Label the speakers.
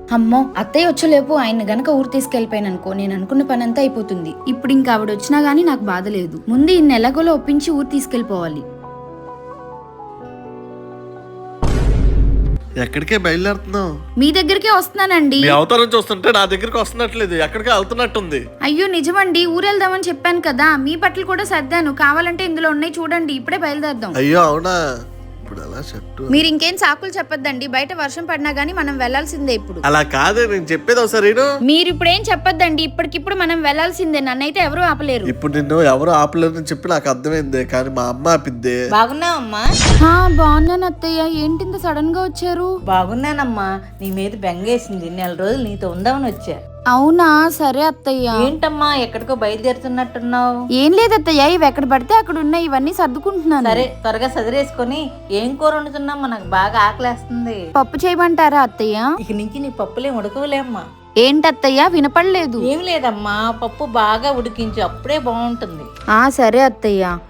Speaker 1: అమ్మో అత్తయ్య వచ్చేలేపు ఆయన గనక ఊరు తీసుకెళ్లిపోయాను అనుకో, నేను అనుకున్న పని అంతా అయిపోతుంది. ఇప్పుడు ఇంకా ఆవిడ వచ్చినా గానీ నాకు బాధ లేదు. ముందు ఇన్ని ఎలాగోలో ఒప్పించి ఊరు తీసుకెళ్లిపోవాలి.
Speaker 2: ఎక్కడికే బయలుదేరుతున్నావు?
Speaker 1: మీ దగ్గరికే వస్తున్నానండి.
Speaker 2: మీ అవతారం చూస్తుంటే నా దగ్గరికి వస్తున్నట్లేదు, ఎక్కడికే వెళ్తున్నట్టుంది.
Speaker 1: అయ్యో నిజమండి, ఊరెళ్దామని చెప్పాను కదా. మీ బట్టలు కూడా సర్దాను, కావాలంటే ఇందులో ఉన్నాయి చూడండి. ఇప్పుడే బయలుదేరదాం.
Speaker 2: అయ్యో అవునా, ఇప్పుడు అలా చెట్టు.
Speaker 1: మీరు ఇంకేం సాకులు చెప్పొద్దండి, బయట వర్షం పడినా గానీ మనం వెళ్లాల్సిందే. ఇప్పుడు
Speaker 2: అలా కాదే, నేను చెప్పేది ఒకసారి
Speaker 1: మీరు ఇప్పుడు ఏం చెప్పొద్దండి, ఇప్పటికిప్పుడు మనం వెళ్లాల్సిందే. నన్నైతే ఎవరూ ఆపలేరు.
Speaker 2: ఇప్పుడు నిన్ను ఎవరు ఆపలేరని చెప్పి నాకు అర్థమైంది, కానీ మా అమ్మ ఆపిద్దే.
Speaker 3: బాగున్నావమ్మా?
Speaker 1: బాగున్నాను అత్తయ్య. ఏంటింత సడన్ గా వచ్చారు?
Speaker 3: బాగున్నానమ్మా, నీ మీద బెంగేసింది. నెల రోజులు నీతో ఉందామని వచ్చా.
Speaker 1: అవునా, సరే అత్తయ్య.
Speaker 3: ఏంటమ్మా ఎక్కడికో బయలుదేరుతున్నట్టున్నావు?
Speaker 1: ఏం లేదు అత్తయ్య, ఇవి ఎక్కడ పడితే అక్కడ ఉన్నాయి, ఇవన్నీ సర్దుకుంటున్నాను.
Speaker 3: సరే త్వరగా సదిరేసుకొని ఏం కూర వండుతున్నావు? నాకు బాగా ఆకలేస్తుంది.
Speaker 1: పప్పు చేయమంటారా అత్తయ్య?
Speaker 3: ఇక నుంచి నీ పప్పులే ఉడకవులేమ్మా.
Speaker 1: ఏంటత్తయ్య, వినపడలేదు.
Speaker 3: ఏం లేదమ్మా, పప్పు బాగా ఉడికించు, అప్పుడే బాగుంటుంది.
Speaker 1: సరే అత్తయ్య.